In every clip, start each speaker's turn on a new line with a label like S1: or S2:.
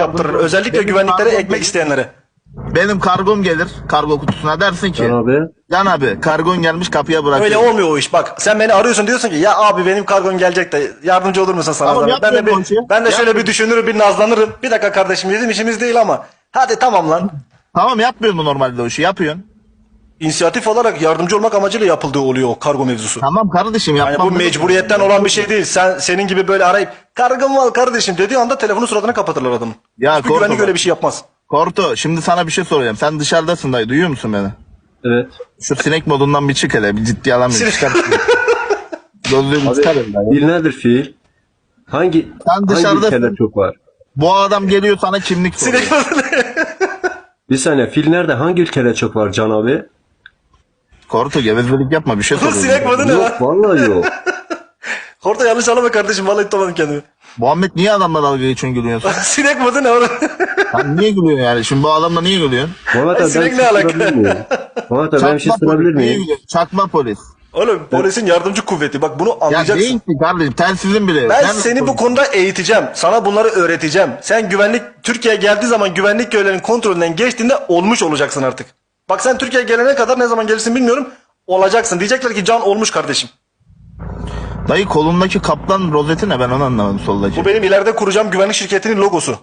S1: yaptırır. Özellikle güvenliklere ekmek isteyenlere.
S2: Benim kargom gelir kargo kutusuna, dersin ki
S3: Can abi.
S2: Can abi kargon gelmiş, kapıya bırakıyor.
S1: Öyle olmuyor o iş. Bak sen beni arıyorsun, diyorsun ki ya abi benim kargon gelecek de yardımcı olur musun sana?
S2: Tamam,
S1: zahmet? Ben de
S2: yapmıyorum o işi.
S1: ben de şöyle
S2: Yapmıyorum.
S1: bir düşünürüm, bir nazlanırım. Bir dakika kardeşim, bizim işimiz değil ama. Hadi tamam lan.
S2: Tamam, yapmıyor mu normalde o işi? Yapıyorsun.
S1: İnisiyatif olarak yardımcı olmak amacıyla yapıldığı oluyor o kargo mevzusu.
S2: Tamam kardeşim,
S1: Yani
S2: yapmam.
S1: bu mecburiyetten olan bir şey değil. Senin gibi böyle arayıp kargım var kardeşim dediği anda telefonu suratına kapatırlar adamın.
S2: Ya
S1: Hiçbir
S2: korkma
S1: güvenlik
S2: bak.
S1: öyle bir şey yapmaz.
S2: Korto, şimdi sana bir şey soracağım. Sen dışarıdasın dayı, duyuyor musun beni?
S3: Evet.
S2: Şu sinek modundan bir çık hele, bir ciddi alamıyorum.
S1: Sinek-
S2: Çıkar. Gözlüğümü
S3: Abi
S2: çıkar hele.
S3: fiil nedir fiil? Hangi
S2: dışarıdasın.
S3: ülkeler çok var?
S2: Bu adam geliyor sana kimlik soruyor.
S1: Sinek
S3: Bir saniye, fiil nerede? Hangi ülkeler çok var Can abi?
S2: Korto, gevezelik yapma, bir şey
S1: Bu sinek
S2: soruyorum.
S1: modu ne lan?
S3: Yok vallahi yok.
S1: Orta yanlış anlama kardeşim, vallahi tutamadım kendimi.
S2: Muhammed, niye adamla dalga geçiyorsun, gülüyorsun?
S1: Sinek modu ne oğlum?
S2: Sen niye gülüyorsun yani? Şimdi bu adamla niye gülüyorsun?
S3: Muhammed abi ben
S1: sinek
S3: bir
S1: ne
S3: şey
S1: alaka?
S3: sorabilir miyim? Muhammed abi ben bir şey
S2: Çakma
S3: sorabilir
S2: polis, niye
S3: miyim?
S2: gülüyorsun? Çakma polis.
S1: Oğlum polisin yardımcı kuvveti, bak bunu
S2: Ya
S1: anlayacaksın.
S2: değil ki kardeşim, telsizin bile.
S1: Ben
S2: Sen
S1: seni bu
S2: polis.
S1: konuda eğiteceğim. Sana bunları öğreteceğim. Sen Türkiye'ye geldiği zaman güvenlik görevlerinin kontrolünden geçtiğinde olmuş olacaksın artık. Bak sen Türkiye'ye gelene kadar, ne zaman gelirsin bilmiyorum, olacaksın. Diyecekler ki Can olmuş kardeşim.
S2: Dayı, kolundaki kaplan rozeti ne, ben onu anlamadım soldaki.
S1: Bu benim ileride kuracağım güvenlik şirketinin logosu.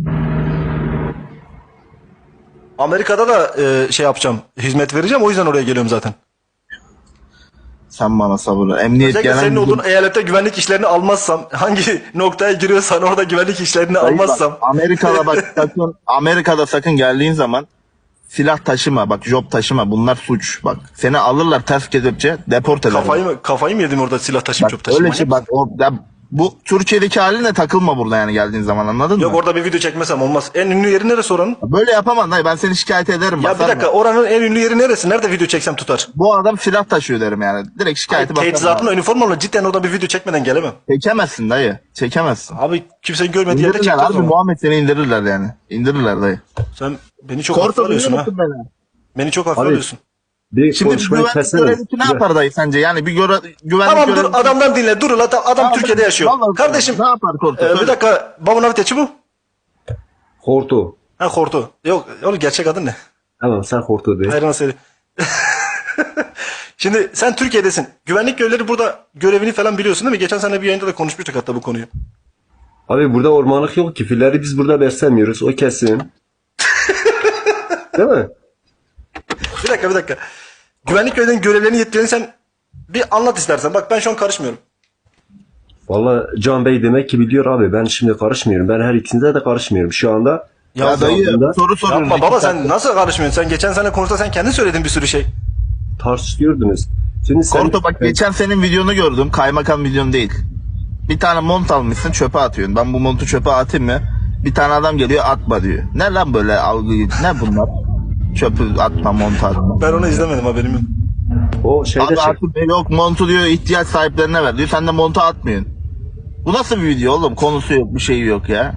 S1: Amerika'da da şey yapacağım, hizmet vereceğim, o yüzden oraya geliyorum zaten.
S2: Sen bana sabır. Emniyet
S1: Özellikle
S2: genel
S1: senin
S2: müdür.
S1: olduğun eyalette güvenlik işlerini almazsam, hangi noktaya giriyorsan orada güvenlik işlerini
S2: Dayı bak,
S1: almazsam.
S2: Amerika'da bak sakın, Amerika'da sakın geldiğin zaman silah taşıma, bak job taşıma, bunlar suç. Bak seni alırlar ters kelepçe, deport ederler.
S1: Kafayı mı yedim orada silah taşıyıp çöp
S2: Bak,
S1: taşıyıp?
S2: öyle şey bak, bu Türkiye'deki haline takılma burada yani, geldiğin zaman, anladın
S1: Yok
S2: mı?
S1: orada bir video çekmesem olmaz. En ünlü yeri neresi oranın?
S2: Böyle yapamam dayı, ben seni şikayet ederim.
S1: Ya bir
S2: basarım.
S1: dakika, oranın en ünlü yeri neresi? Nerede video çeksem tutar?
S2: Bu adam silah taşıyor derim yani. Direkt şikayeti basarım.
S1: Teçhizatımla, üniformamla cidden orada bir video çekmeden gelemem.
S2: Çekemezsin dayı. Çekemezsin.
S1: Abi kimsenin görmediği yerde
S2: İndirirler
S1: çekti o
S2: abi,
S1: zaman.
S2: Muhammed seni indirirler yani. İndirirler dayı.
S1: Sen beni çok hafife
S2: Korto,
S1: alıyorsun
S2: duyuyor
S1: ha.
S2: musun beni?
S1: Beni çok hafife
S3: Abi,
S1: alıyorsun.
S3: Bir
S2: Şimdi
S3: konuşmayı
S2: güvenlik
S3: kessene.
S2: görevlisi ne yapar dayı sence? Yani bir güvenlik
S1: Tamam dur,
S2: görevlisi...
S1: adamdan dinle. Dur lan, adam
S2: Tamam,
S1: Türkiye'de yaşıyor.
S2: vallahi
S1: Kardeşim
S2: ne yapar Korto?
S1: bir
S2: Söyle.
S1: dakika, babun aviteçi bu.
S3: Hortu.
S1: Ha, Hortu. Yok oğlum, gerçek adın ne?
S3: Tamam sen Hortu de.
S1: Hayran seni. Şimdi sen Türkiye'desin. Güvenlik görevlileri burada görevini falan biliyorsun değil mi? Geçen sene bir yayında da konuşmuştuk hatta bu konuyu.
S3: Abi burada ormanlık yok ki. Filleri biz burada beslemiyoruz. O kesin. Değil mi?
S1: Bir dakika. Güvenlik görevlilerinin görevlerini, yetkilerini sen bir anlat istersen. Bak ben şu an karışmıyorum.
S3: Valla Can Bey demek ki biliyor abi. Ben şimdi karışmıyorum. Ben her ikisinde de karışmıyorum. Şu anda
S2: Ya dayı,
S3: altında
S2: soru soruyoruz.
S1: Yapma baba,
S2: İki saat.
S1: sen nasıl karışmıyorsun? Sen geçen sene konuşta sen kendin söyledin bir sürü şey.
S3: tartışıyordunuz. Şimdi sen...
S2: Korto bak, geçen senin videonu gördüm. Kaymakam videon değil. Bir tane mont almışsın, çöpe atıyorsun. Ben bu montu çöpe atayım mı? Bir tane adam geliyor, atma diyor. Ne lan böyle algıyı? Ne bunlar? Çöpü atma, montu atma.
S1: Ben onu izlemedim, haberim yok.
S3: O şeyde
S2: Abi
S3: şey...
S2: artık yok, montu diyor ihtiyaç sahiplerine ver diyor. Sen de montu atmıyorsun. Bu nasıl bir video oğlum? Konusu yok, bir şeyi yok ya.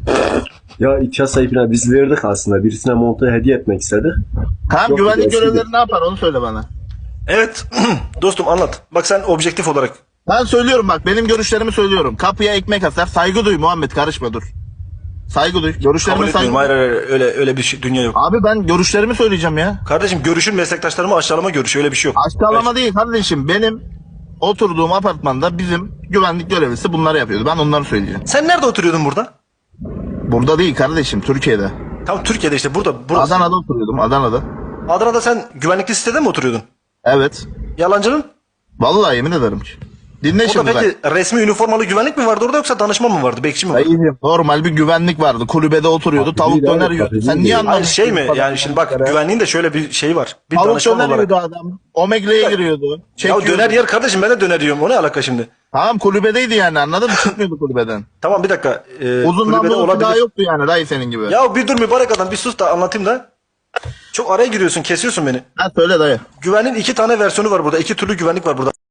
S3: Ya ihtiyaç sahibine biz verdik aslında. Birisine montu hediye etmek istedik.
S2: Tamam,
S3: Yok,
S2: güvenlik
S3: eskidi.
S2: görevlileri ne yapar, onu söyle bana.
S1: Evet dostum, anlat. Bak sen objektif olarak.
S2: Ben söylüyorum bak, benim görüşlerimi söylüyorum. Kapıya ekmek asar, saygı duy Muhammed, karışma dur. Saygı duy.
S1: Kabul
S2: Görüşlerime saygı
S1: etmiyorum.
S2: duy.
S1: Hayır, öyle bir şey, dünya yok.
S2: Abi ben görüşlerimi söyleyeceğim ya.
S1: Kardeşim görüşün meslektaşlarımı aşağılama görüşü, öyle bir şey yok.
S2: Aşağılama değil kardeşim. Benim oturduğum apartmanda bizim güvenlik görevlisi bunları yapıyordu. Ben onları söyleyeceğim.
S1: Sen nerede oturuyordun burada?
S2: Burada değil kardeşim, Türkiye'de.
S1: Tam Türkiye'de işte, burada. Burası.
S2: Adana'da oturuyordum, Adana'da.
S1: Adana'da sen güvenlikli sitede mi oturuyordun?
S2: Evet.
S1: Yalancının?
S2: Vallahi yemin ederim ki. Dinle
S1: Orada
S2: şimdi bak.
S1: peki resmi üniformalı güvenlik mi vardı orada, yoksa danışman mı vardı? Bekçi mi vardı?
S2: Dayıcım, normal bir güvenlik vardı. Kulübede oturuyordu. Tavuk
S3: değil
S2: döner
S3: abi,
S2: yiyordu.
S3: tabii
S2: Sen
S3: değil.
S2: niye
S3: Hayır,
S2: anlamıyorsun?
S1: Hayır şey mi? Yani şimdi bak, güvenliğin de şöyle bir şey var. Bir
S2: Tavuk
S1: danışman
S2: döner
S1: olarak.
S2: yiyordu adam. Omegle'ye giriyordu.
S1: Ya
S2: Çekiyordu.
S1: döner yer kardeşim, ben de döner yiyorum. O ne alaka şimdi?
S2: Tamam, kulübedeydi yani, anladın mı? Çıkmıyordu kulübeden.
S1: Tamam bir dakika.
S2: Uzun
S1: Kulübede
S2: namlulu
S1: olabilir.
S2: silahı yoktu yani dayı senin gibi.
S1: Ya bir dur mübarek adam, bir sus da anlatayım da. Çok araya giriyorsun, kesiyorsun beni.
S2: Ha söyle dayı.
S1: Güvenliğin iki tane versiyonu var burada. İki türlü güvenlik var burada.